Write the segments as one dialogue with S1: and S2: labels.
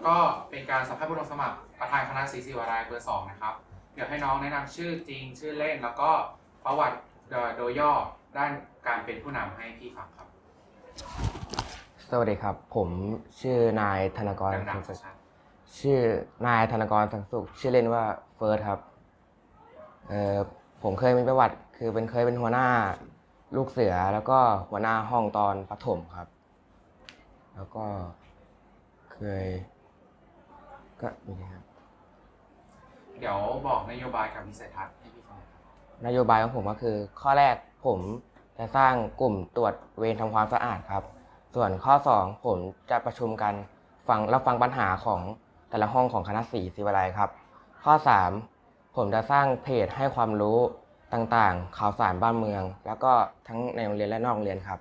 S1: ก็เป็นการสัมภาษณ์ผู้ลงสมัครประธานคณะศรีศิวาลัยเบอร์2นะครับเดี๋ยวให้น้องแนะนำชื่อจริงชื่อเล่นแล้วก็ประวัติโดยย่อด้านการเป็นผู้นำให้พี่ฟังครับ
S2: สวัสดีครับผมชื่อนายธนกร
S1: ดัง
S2: สังสุข
S1: ๆชัด
S2: ชื่อนายธนกรสังสุขชื่อเล่นว่าเฟิร์สครับผมเคยมีประวัติคือเคยเป็นหัวหน้าลูกเสือแล้วก็หัวหน้าห้องตอนประถมครับแล้วก็เคยก็มีครับ
S1: เดี๋ยวบอกนโยบายกับวิสัยทัศน์ให้พี่ฟังครับ
S2: นโยบายของผมก็คือข้อแรกผมจะสร้างกลุ่มตรวจเวรทำความสะอาดครับส่วนข้อ2ผมจะประชุมกันรับฟังปัญหาของแต่ละห้องของคณะศรีศิวาลัยครับข้อ3ผมจะสร้างเพจให้ความรู้ต่างๆข่าวสารบ้านเมืองแล้วก็ทั้งในโรงเรียนและนอกโรงเรียนครับ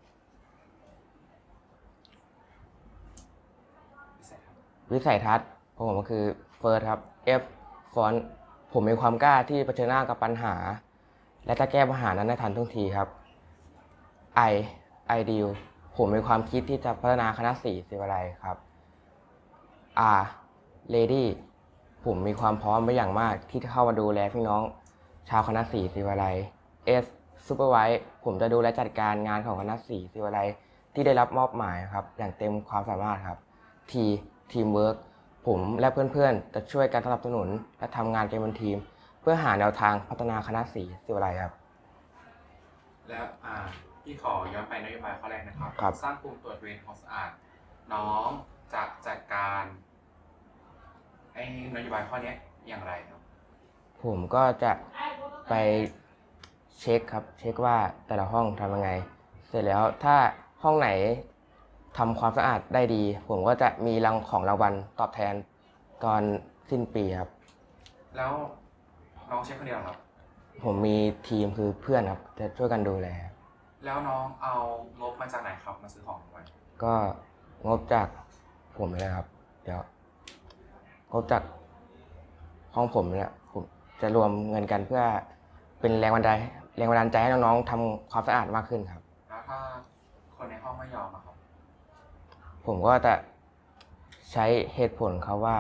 S2: วิสัยทัศน์ของผมก็คือเฟิร์สครับ F ฟอนต์ผมมีความกล้าที่เผชิญหน้ากับปัญหาและจะแก้ปัญหานั้นได้ทันท่วงทีครับ I Ideal ผมมีความคิดที่จะพัฒนาคณะศรีศิวาลัยครับ R Ready ผมมีความพร้อมไปอย่างมากที่จะเข้ามาดูแลพี่น้องชาวคณะศรีศิวาลัย S Supervise ผมจะดูแลจัดการงานของคณะศรีศิวาลัยที่ได้รับมอบหมายครับอย่างเต็มความสามารถครับ T Teamwork ผมและเพื่อนๆจะช่วยกันสนับสนุนและทำงานกันเป็นทีมเพื่อหาแนวทางพัฒนาคณะศรีศิวาลัยครับ
S1: แล้วพี่ขอย้อนไปนโยบายข้อแรกนะครับ
S2: ครับ
S1: สร้างกลุ่มตรวจเวรความสะอาดน้องจะจัดการไอ้นโยบายข้อนี้อย่างไรครับ
S2: ผมก็จะไปเช็คครับเช็คว่าแต่ละห้องทำยังไงเสร็จแล้วถ้าห้องไหนทำความสะอาดได้ดีผมก็จะมีรางวัลตอบแทนตอนสิ้นปีครับ
S1: แล้วน้องเช็คคนเดียวครับ
S2: ผมมีทีมคือเพื่อนครับจะช่วยกันดูแล
S1: แล้วน้องเอางบมาจากไหนครับมาซื้อของรางวัล
S2: ก็งบจากผมเลยครับเดี๋ยวงบจากห้องผมเนี่ยผมจะรวมเงินกันเพื่อเป็นแรงบันดาลใจให้น้องๆทำความสะอาดมากขึ้นครับ
S1: แล้วถ้าคนในห้องไม่ยอมอะครับ
S2: ผมก็จะใช้เหตุผลครับว่า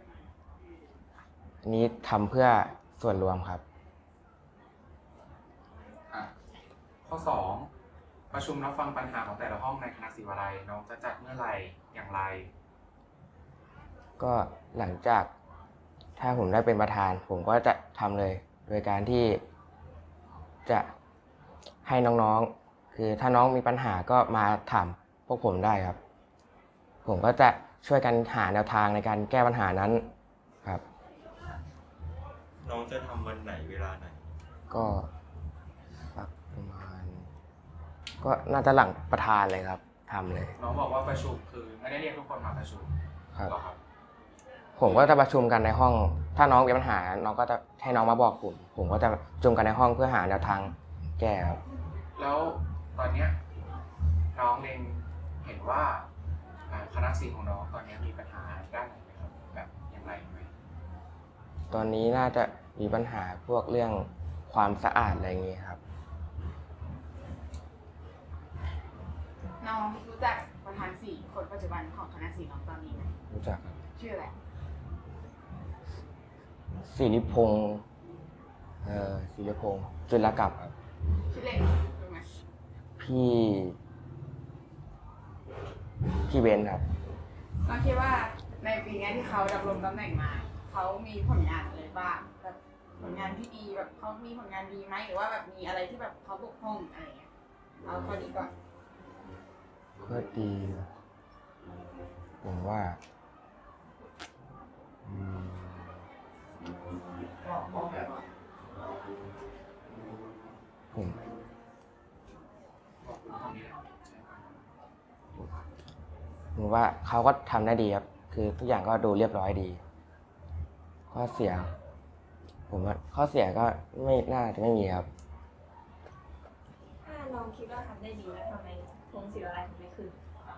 S2: นี้ทำเพื่อส่วนรวมครับ
S1: ข้อ2ประชุมรับฟังปัญหาของแต่ละห้องในคณะศิวาลัยน้องจะจัดเมื่อไหร่อย่างไร
S2: ก็หลังจากถ้าผมได้เป็นประธานผมก็จะทำเลยโดยการที่จะให้น้องๆคือถ้าน้องมีปัญหาก็มาถามพวกผมได้ครับผมก็จะช่วยกันหาแนวทางในการแก้ปัญหานั้นครับ
S3: น้องจะทำวันไหนเวลาไหน
S2: ก็สักประมาณก็น่าจะหลังประธานเลยครับทำเลย
S1: น้องบอกว่าประชุมคือไม่ได้เรียกทุกคนมาประชุม
S2: ครับ
S1: หรอครับ
S2: ผมก็จะประชุมกันในห้องถ้าน้องมีปัญหาน้องก็จะให้น้องมาบอกผมก็จะประชุมกันในห้องเพื่อหาแนวทางแก้ครับ
S1: แล้วตอนเนี้ยน้องเองเห็นว่าคณะศิลป์ของน้องตอนนี้มีปัญหาด้านไหนไหมครับแบบอย่างไรไหม
S2: ตอนนี้น่าจะมีปัญหาพวกเรื่องความสะอาดอะไรอย่างงี้ครับ
S4: น้องรู้จักประธานสี่คนปัจจุบันของคณะสี่น้องตอนนี้ไหม
S2: รู้จักครับ
S4: ชื่ออะไร
S2: ศิริพงษ์ศิริพงษ์จุลกัปครับ
S4: ชื่อเล่นรู้ไหม
S2: พี่เบนครับ
S4: น้องคิดว่าในปีนี้ที่เขาดำรงตำแหน่งมาเขามีผลงานอะไรบ้างแบบผลงานที่ดีแบบเขามีผลงานดีไหมหรือว่าแบบมีอะไรที่แบบเขาบกพร่องอะไรอย่างเงี้ยเอาข้อดีก่อน
S2: ก็ดีผมว่าผมว่าเขาก็ทำได้ดีครับคือทุกอย่างก็ดูเรียบร้อยดีข้อเสียผมว่าข้อเสียก็ไม่น่าจะไม่มีครับ
S5: ถ้าน้องคิดว่าทำได้ดีแล้วทำไมธงศิวาลัยถึงไม่ขึ้น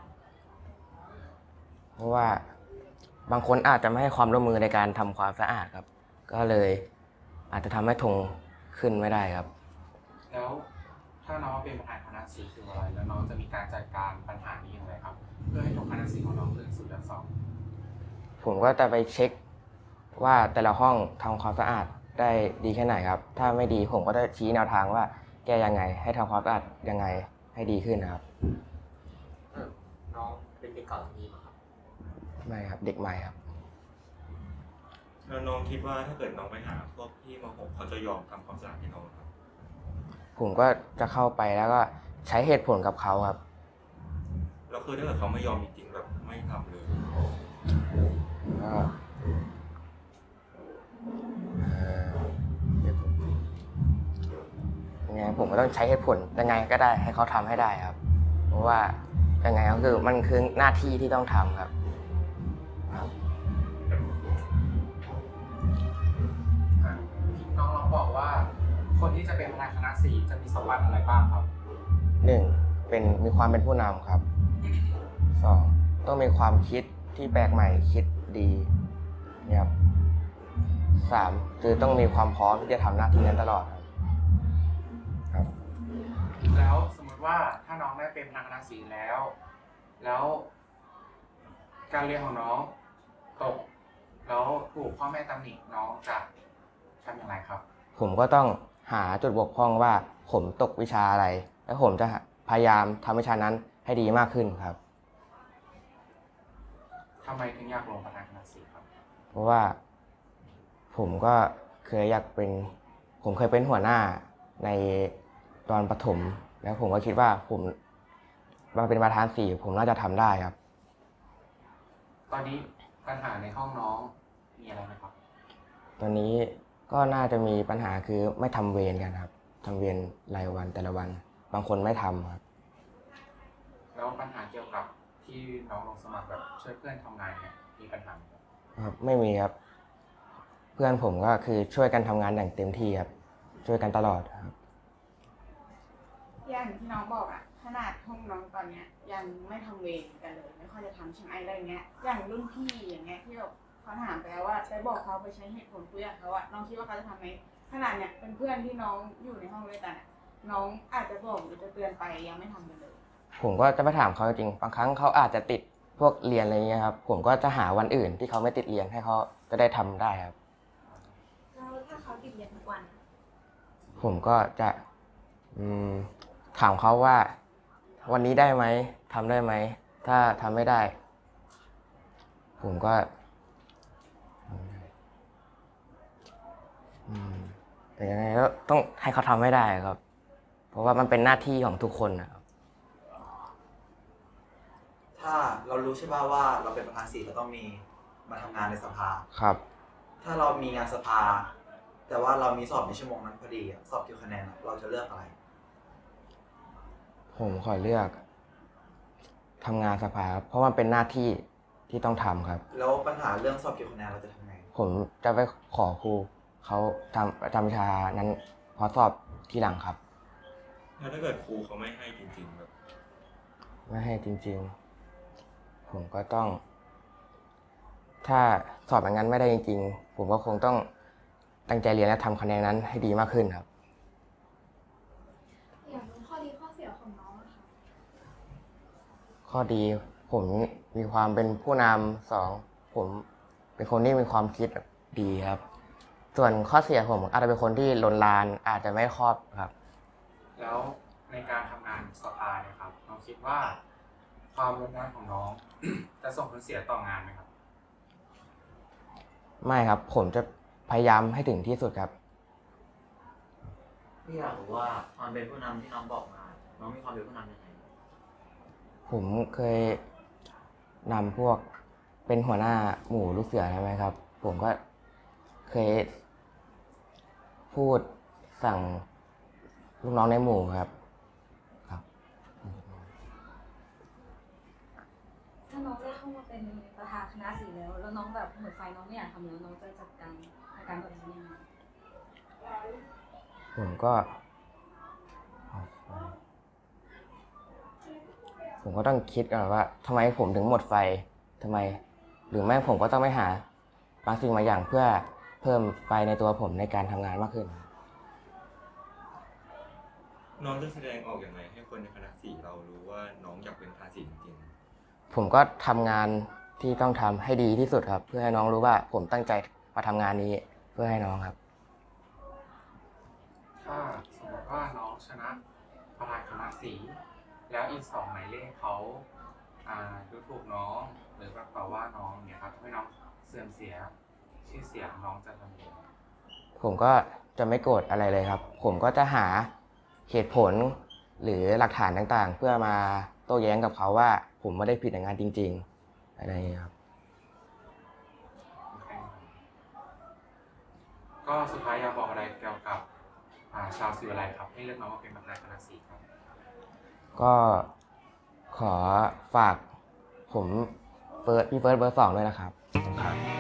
S2: เพราะว่าบางคนอาจจะไม่ให้ความร่วมมือในการทำความสะอาดครับก็เลยอาจจะทำให้ธงขึ้นไม่ได้ครับ
S1: แล้วถ้าน้องเป็นประธานคณะศิลป์ศิวาลัยแล้วน้องจะมีการจัดการปัญหานี้อย่างไรครับเพื่อให้ทุกคณะศิลป์ของน้องขึ้นสู่ยอด2
S2: ผมก็จะไปเช็คว่าแต่ละห้องทำความสะอาดได้ดีแค่ไหนครับ ถ้าไม่ดีผมก็จะชี้แนวทางว่าแก้ยังไง ให้ทำความสะอาดยังไงให้ดีขึ้นนะครับ
S6: น้องเป็นเด็กเก่าที่นี่มาครับ
S2: ไม่ครับเด็กใหม่ครับ
S3: แล้วน้องคิดว่าถ้าเกิดน้องไปหาพวกพี่ม .6 เขาจะยอมทำความสะอาดให้น้องครับ
S2: ผมก็จะเข้าไปแล้วก็ใช้เหตุผลกับเขาครับ
S3: แล้วคือถ้าเกิดเขาไม่ยอมจริงๆแบบไม่ทำเลย
S2: ก็เดี๋ยวยังไงผมก็ต้องใช้เหตุผลยังไงก็ได้ให้เขาทำให้ได้ครับ เพราะว่ายังไงก็คือมันคือหน้าที่ที่ต้องทำครับ
S1: อ่ะน้องลองบอกว่า คนที่จะเป็นประธานคณะสีจะมีสมบัติอะไรบ้างครับ
S2: 1. มีความเป็นผู้นำครับ 2. ต้องมีความคิดที่แปลกใหม่คิดดีเนี่ยครับ 3. คือต้องมีความพร้อมที่จะทำหน้าที่นั้นตลอดครับ
S1: แล้วสมมติว่าถ้าน้องได้เป็นประธานคณะสีแล้ว แล้วการเรียนของน้องตก แล้วถูกพ่อแม่ตำหนิน้องจะทำอย่างไรครับ
S2: ผมก็ต้องหาจุดบกพร่องว่าผมตกวิชาอะไร แล้วผมจะพยายามทำวิชานั้นให้ดีมากขึ้นครับ
S1: ทำไมถึงอยากลงประธานคณะสีครับ
S2: เพราะว่าผมก็เคยอยากเป็น ผมเคยเป็นหัวหน้าในตอนประถม แล้วผมก็คิดว่าผมมาเป็นประธานสีผมน่าจะทำได้ครับ
S1: ตอนนี้ปัญหาในห้องน้องมีอะไรไหมครับ
S2: ตอนนี้ก็น่าจะมีปัญหาคือไม่ทำเวรกันครับทำเวรรายวันแต่ละวัน บางคนไม่ทำครับ
S1: แล้วปัญหาเกี่ยวกับที่น้องลงสมัครแบบช่วยเพื่อนทำงานเนี่ยมีปัญหาไหมครับ
S2: ครับไม่มีครับ เพื่อนผมก็คือช่วยกันทำงานอย่างเต็มที่ครับช่วยกันตลอดครับ
S4: อย่างที่น้องบอกอะขนาดห้องน้องตอนเนี้ยยังไม่ทำเวรกันเลย ไม่ค่อยจะทำใช่ไหมอะไรเงี้ย อย่างรุ่นพี่อย่างเงี้ยที่แบบเขาถามไปแล้วว่าไปบอกเขาไปใช้เหตุผลคุยกับเขาอะน้องคิดว่าเขาจะทำไหมขนาดเนี้ยเป็นเพื่อนที่น้องอยู่ในห้องด้วยกันอะน้องอาจจะบอกหรือจะเตือนไปยังไม่ทำกันเลย
S2: ผมก็จะไปถามเขาจริงบางครั้งเขาอาจจะติดพวกเรียนอะไรเงี้ยครับ ผมก็จะหาวันอื่นที่เขาไม่ติดเรียนให้เขาจะได้ทำได้ครับ
S5: แล้วถ้าเขาติดเรียนทุกวันอะ
S2: ผมก็จะถามเขาว่าวันนี้ได้ไหมทำได้ไหมถ้าทำไม่ได้ ผมก็แต่ยังไงก็ต้องให้เขาทำให้ได้ครับ เพราะว่ามันเป็นหน้าที่ของทุกคนนะครับ
S6: ถ้าเรารู้ใช่ป่ะว่าเราเป็นประธานสีเราต้องมีมาทำงานในสภา
S2: ครับ
S6: ถ้าเรามีงานสภา แต่ว่าเรามีสอบในชั่วโมงนั้นพอดีอะสอบเกี่ยวคะแนนอะเราจะเลือกอะไร
S2: ผมขอเลือกทำงานสภาครับเพราะมันเป็นหน้าที่ที่ต้องทำครับ
S6: แล้วปัญหาเรื่องสอบเกี่ยวคะแนนเราจะทำไง
S2: ผมจะไปขอครูเขาทำวิชานั้นพอสอบทีหลังครับ
S3: แล้วถ้าเกิดครูเขาไม่ให้จริงๆแบบ
S2: ไม่ให้จริงๆ ผมก็ต้อง ถ้าสอบอย่างนั้นไม่ได้จริงๆ ผมก็คงต้องตั้งใจเรียนและทำคะแนนนั้นให้ดีมากขึ้นครับ
S5: อยากรู้ข้อดีข้อเสียของน้องอะค่ะ
S2: ข้อดีผมมีความเป็นผู้นำ2ผมเป็นคนที่มีความคิดดีครับ ส่วนข้อเสียผมอาจจะเป็นคนที่ลนลานอาจจะไม่ครอบครับ
S1: แล้วในการทำงานสภาเนี่ยครับน้องคิดว่าความรุนแรงของน้อง จะส่งผลเสียต่องานไหมครับ
S2: ไม่ครับ ผมจะพยายามให้ถึงที่สุดครับ
S7: พี่อยากรู้ว่าความเป็นผู้นำที่น้องบอกมา น้องมีความเป็นผู้นำยังไง
S2: ผมเคยนำพวกเป็นหัวหน้าหมู่ลูกเสือใช่ไหมครับ ผมก็เคยพูดสั่งลูกน้องในหมู่ครับ
S5: ถ้าน้องได้เข้ามาเป็นประธานคณะสีแล้วน้องแบบหมดไฟน้องไม่อยากทำแล้วน้องจะจัดการอาการแบบนี้ยังไง
S2: ผมก็ ผมก็ต้องคิดก่อนว่าทำไมผมถึงหมดไฟทำไม หรือไม่ผมก็ต้องไปหาบางสิ่งบางอย่างเพื่อเพิ่มไฟในตัวผมในการทำงานมากขึ้น
S3: น้องจะแสดงออกอย่างไรให้คนในคณะสีเรารู้ว่าน้องอยากเป็นประธานสีจริง
S2: ผมก็ทำงานที่ต้องทำให้ดีที่สุดครับ เพื่อให้น้องรู้ว่าผมตั้งใจมาทำงานนี้เพื่อให้น้องครับ
S1: ถ้าสมมติว่าน้องชนะประธานคณะสีแล้วอีก2หมายเลขเขาดูถูกน้องหรือแบบต่อว่าน้องเนี่ยครับทำให้น้องเสื่อมเสียชื่อเสียงน้องจะทำยังไง
S2: ผมก็จะไม่โกรธอะไรเลยครับ ผมก็จะหาเหตุผลหรือหลักฐานต่างๆ เพื่อมาโต้แย้งกับเขาว่าผมไม่ได้ผิดในงานจริงๆอะไรอย่างเงี้ยครับ
S1: ก็สุดท้ายอยากบอกอะไรเกี่ยวกับชาวศิวไลครับให้เลือกน้องมาเป็นประธานคณะสีครับ
S2: ก็ขอฝากผมพี่เฟิร์สเบอร์ 2ด้วยนะครับ
S1: ครับ